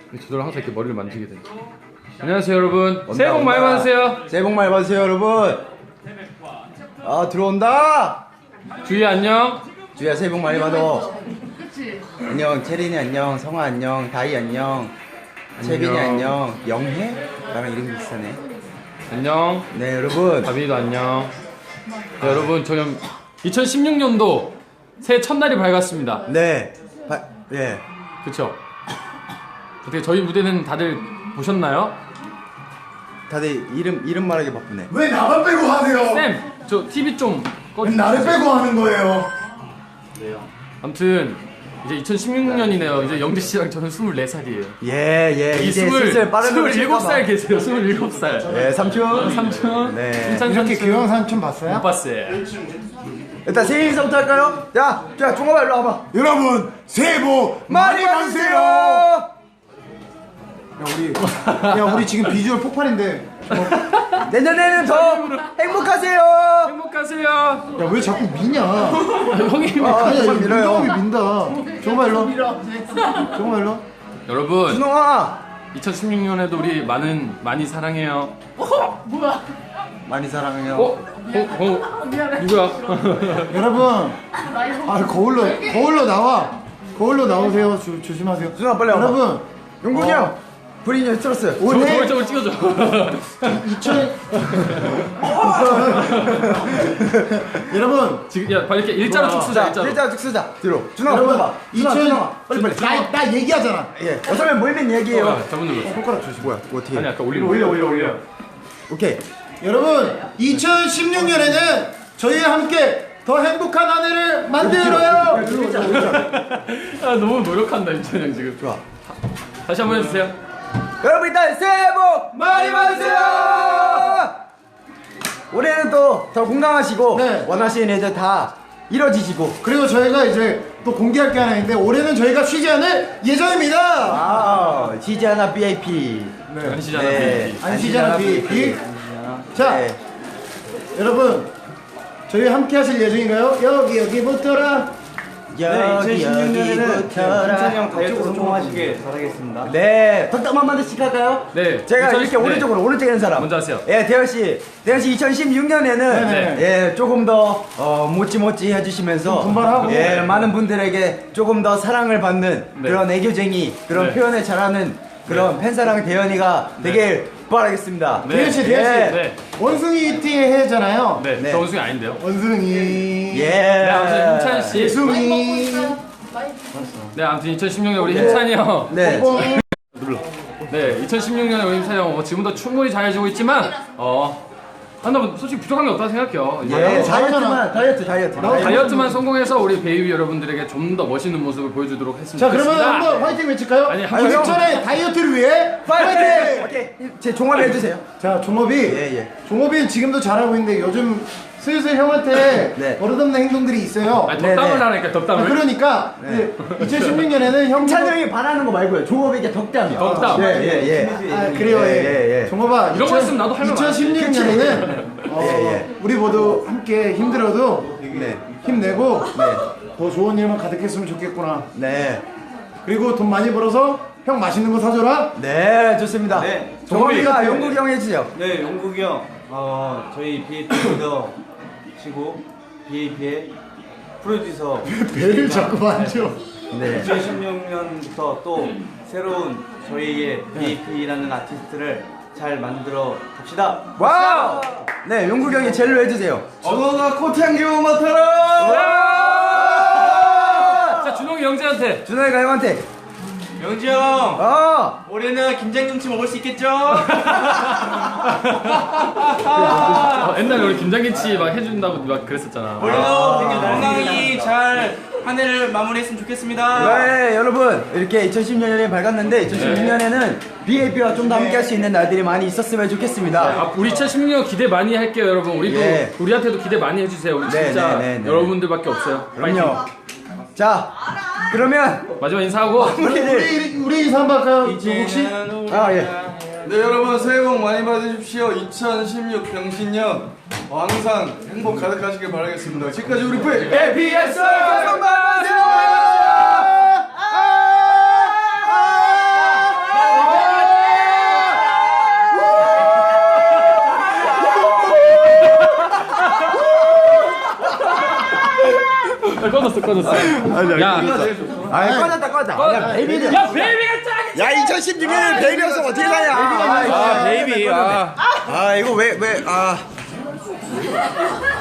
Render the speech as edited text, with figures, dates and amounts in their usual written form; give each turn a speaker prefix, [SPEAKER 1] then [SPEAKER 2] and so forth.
[SPEAKER 1] 저도 항상 이렇게 머리를 만지게 돼요. 안녕하세요 여러분. 새해 복 많이 받으세요.
[SPEAKER 2] 새해 복 많이 받으세요 여러분. 아 들어온다.
[SPEAKER 1] 주희 안녕.
[SPEAKER 2] 주희야 새해 복 많이 받아. 안녕 체린이 안녕, 성아 안녕, 다희 안녕, 채빈이 안녕, 영혜? 나랑 이름이 비슷하네.
[SPEAKER 1] 안녕.
[SPEAKER 2] 네 여러분.
[SPEAKER 1] 다빈이도 안녕. 네, 여러분 저는 2016년도 새해 첫날이 밝았습니다.
[SPEAKER 2] 네. 예.
[SPEAKER 1] 그쵸? 어떻게 저희 무대는 다들 보셨나요?
[SPEAKER 2] 다들 이름 말하기 바쁘네.
[SPEAKER 3] 왜 나만 빼고 하세요?
[SPEAKER 1] 쌤! 저 TV 좀
[SPEAKER 3] 왜 나를 빼고 하는 거예요?
[SPEAKER 1] 아무튼 이제 2016년이네요. 이제 영재 씨랑 저는 24살이에요.
[SPEAKER 2] 예. 이제 슬슬 빠른
[SPEAKER 1] 27살 계세요. 27살.
[SPEAKER 2] 예, 삼촌.
[SPEAKER 1] 삼촌.
[SPEAKER 2] 네.
[SPEAKER 1] 칭찬
[SPEAKER 3] 이렇게
[SPEAKER 1] 삼촌.
[SPEAKER 3] 귀여운 삼촌 봤어요?
[SPEAKER 1] 못 봤어요.
[SPEAKER 2] 일단 새해 인사부터 할까요? 야, 종업아 일로 와봐.
[SPEAKER 3] 여러분 새해 복
[SPEAKER 2] 많이 받으세요.
[SPEAKER 3] 우리 지금 비주얼 폭발인데
[SPEAKER 2] 내년에는 더 행복하세요.
[SPEAKER 1] 행복하세요.
[SPEAKER 3] 야 왜 자꾸 미냐?
[SPEAKER 1] 형이
[SPEAKER 2] 정말 밀어요.
[SPEAKER 3] 운동이 민다. 정말 일로. 정말 일로.
[SPEAKER 1] 여러분
[SPEAKER 2] 준홍아
[SPEAKER 1] 2016년에도 우리 많이 사랑해요.
[SPEAKER 2] 많이 사랑해요.
[SPEAKER 1] 누구야?
[SPEAKER 3] 여러분 거울로 나와. 거울로 나오세요. 조심하세요.
[SPEAKER 2] 준홍아 빨리 와봐.
[SPEAKER 3] 여러분
[SPEAKER 2] 용군이 형 브리니 스트러스.
[SPEAKER 3] 올해
[SPEAKER 1] 저걸 찍어줘.
[SPEAKER 3] 2000 여러분
[SPEAKER 1] 지금 야 빨리 이렇게 일자로 쭉 쓰자.
[SPEAKER 2] 자,
[SPEAKER 1] 일자로.
[SPEAKER 2] 쭉 쓰자. 뒤로. 준홍아
[SPEAKER 3] 여러분
[SPEAKER 2] 봐봐. 준홍아 빨리.
[SPEAKER 3] 나 얘기하잖아.
[SPEAKER 2] 예. 여섯명 모이면 얘기해요.
[SPEAKER 1] 잘못 눌렀어.
[SPEAKER 3] 손가락 조심.
[SPEAKER 2] 뭐야? 뭐 어떻게?
[SPEAKER 1] 아니 아까 올려.
[SPEAKER 2] 오케이.
[SPEAKER 3] 여러분 2016년에는 저희와 함께 더 행복한 한 해를 만들어요.
[SPEAKER 1] 아 너무 노력한다 임찬이 형 지금.
[SPEAKER 2] 좋아.
[SPEAKER 1] 다시 한번 해주세요.
[SPEAKER 2] 여러분 일단 새해 복 많이 받으세요. 올해는 또 더 건강하시고
[SPEAKER 3] 네.
[SPEAKER 2] 원하시는 애들 다 이뤄지시고.
[SPEAKER 3] 그리고 저희가 이제 또 공개할 게 하나 있는데 올해는 저희가 쉬지 않을 예정입니다.
[SPEAKER 2] 아, 쉬지 않아 BAP.
[SPEAKER 1] 안 쉬잖아.
[SPEAKER 2] 네.
[SPEAKER 3] 안 쉬지 않아 BAP. 자
[SPEAKER 2] 네.
[SPEAKER 3] 여러분 저희 함께 하실 예정인가요? 여기부터라.
[SPEAKER 2] 여기
[SPEAKER 4] 2016년에는 김찬이 형
[SPEAKER 2] 여기부터라.
[SPEAKER 4] 다이어트 성공하시길 바라겠습니다.
[SPEAKER 2] 네. 덕담 한마디씩 할까요?
[SPEAKER 1] 네.
[SPEAKER 2] 제가 이렇게
[SPEAKER 1] 네.
[SPEAKER 2] 오른쪽에 있는 사람.
[SPEAKER 1] 먼저 하세요.
[SPEAKER 2] 예, 대현 씨 2016년에는
[SPEAKER 3] 네.
[SPEAKER 2] 예, 조금 더 모찌모찌 해주시면서
[SPEAKER 3] 좀 분발하고.
[SPEAKER 2] 예, 많은 분들에게 조금 더 사랑을 받는
[SPEAKER 1] 네.
[SPEAKER 2] 그런 애교쟁이, 그런
[SPEAKER 1] 네.
[SPEAKER 2] 표현을 잘하는 그런 팬사랑 대현이가 되길 바라겠습니다.
[SPEAKER 1] 네.
[SPEAKER 3] 대현 씨.
[SPEAKER 1] 네.
[SPEAKER 3] 원숭이 띠의 해잖아요.
[SPEAKER 1] 네.
[SPEAKER 2] 네.
[SPEAKER 1] 저 원숭이 아닌데요.
[SPEAKER 3] 원숭이.
[SPEAKER 2] 예.
[SPEAKER 1] 네 아무튼 힘찬 씨.
[SPEAKER 3] 예숭이.
[SPEAKER 1] 네 아무튼 2016년 우리 힘찬이 형.
[SPEAKER 2] 네.
[SPEAKER 1] 네 2016년에 우리 힘찬이 형 지금도 충분히 잘해주고 있지만 한번 솔직히 부족한 게 없다고 생각해요.
[SPEAKER 2] 예,
[SPEAKER 3] 잘하잖아.
[SPEAKER 2] 다이어트.
[SPEAKER 1] 다이어트만 성공해서 우리 베이비 여러분들에게 좀 더 멋있는 모습을 보여주도록 했으면
[SPEAKER 3] 자 그러면
[SPEAKER 1] 좋겠습니다.
[SPEAKER 3] 한번 화이팅 외칠까요?
[SPEAKER 1] 아니, 한번
[SPEAKER 3] 김희철의 다이어트를 위해
[SPEAKER 2] 파이팅! 오케이. 제 종합 해주세요.
[SPEAKER 3] 자 종업이
[SPEAKER 2] 예.
[SPEAKER 3] 종업이는 지금도 잘하고 있는데 요즘 슬슬 형한테
[SPEAKER 2] 네.
[SPEAKER 3] 버릇없는 행동들이 있어요.
[SPEAKER 1] 아니,
[SPEAKER 2] 네,
[SPEAKER 1] 덕담을
[SPEAKER 2] 네.
[SPEAKER 1] 하니까 덕담을.
[SPEAKER 3] 그러니까
[SPEAKER 2] 네.
[SPEAKER 3] 2016년에는 형
[SPEAKER 2] 찬이 형이 바라는 거 말고요. 종업에게 덕담이요.
[SPEAKER 1] 덕담.
[SPEAKER 2] 예.
[SPEAKER 3] 아 그래요.
[SPEAKER 2] 예.
[SPEAKER 3] 종업아
[SPEAKER 1] 이런 거 했으면 나도 할 말 많아.
[SPEAKER 3] 2016년에는
[SPEAKER 2] 예.
[SPEAKER 3] 우리 모두 함께 힘들어도
[SPEAKER 2] 네.
[SPEAKER 3] 힘내고 더 좋은 일만 가득했으면 좋겠구나.
[SPEAKER 2] 네.
[SPEAKER 3] 그리고 돈 많이 벌어서 형 맛있는 거 사줘라.
[SPEAKER 2] 네, 좋습니다.
[SPEAKER 4] 네.
[SPEAKER 2] 종업이가 영국이 형 해주세요.
[SPEAKER 4] 네, 용국이 형, 저희 BAP 리더시고 BAP의 프로듀서.
[SPEAKER 3] 배를 자꾸 만져.
[SPEAKER 2] 네.
[SPEAKER 4] 2016년부터 또 새로운 저희의 BAP라는 아티스트를 잘 만들어 갑시다.
[SPEAKER 2] 와우! 네, 용국이 형이 젤로 해주세요.
[SPEAKER 4] 준호가 코트향기호 맡아라.
[SPEAKER 1] 자 준홍이 영재한테.
[SPEAKER 2] 준호이가 형한테.
[SPEAKER 4] 영지 형,
[SPEAKER 2] 어!
[SPEAKER 4] 올해는 김장김치 먹을 수 있겠죠?
[SPEAKER 1] 옛날에 우리 김장김치 막 해준다고 막 그랬었잖아.
[SPEAKER 4] 올해도 되게 건강히 잘 한 해를 마무리했으면 좋겠습니다.
[SPEAKER 2] 네, 여러분. 이렇게 2016년이 밝았는데, 2016년에는 BAP와 좀 더 함께 할 수 있는 날들이 많이 있었으면 좋겠습니다.
[SPEAKER 1] 우리 2016년 기대 많이 할게요 여러분. 우리도
[SPEAKER 2] 예.
[SPEAKER 1] 우리한테도 기대 많이 해주세요. 우리
[SPEAKER 2] 네,
[SPEAKER 1] 진짜
[SPEAKER 2] 네.
[SPEAKER 1] 여러분들밖에 없어요.
[SPEAKER 2] 그럼요. 자, 그러면,
[SPEAKER 1] 마지막 인사하고.
[SPEAKER 3] 우리 인사 한번 할까요? 혹시?
[SPEAKER 2] 아, 예.
[SPEAKER 5] 네 여러분 새해 복 많이 받으십시오. 2016 병신년 항상 행복 가득하시길 바라겠습니다. 지금까지 우리
[SPEAKER 2] APS! 감사합니다!
[SPEAKER 1] 꺼졌어. 야,
[SPEAKER 2] 꺼졌다. 베이비는.
[SPEAKER 1] 야, 베이비가 짱이지.
[SPEAKER 2] 야, 2016년에 베이비였어. 어떻게 가냐.
[SPEAKER 5] 아 베이비.
[SPEAKER 2] 아, 이거 왜.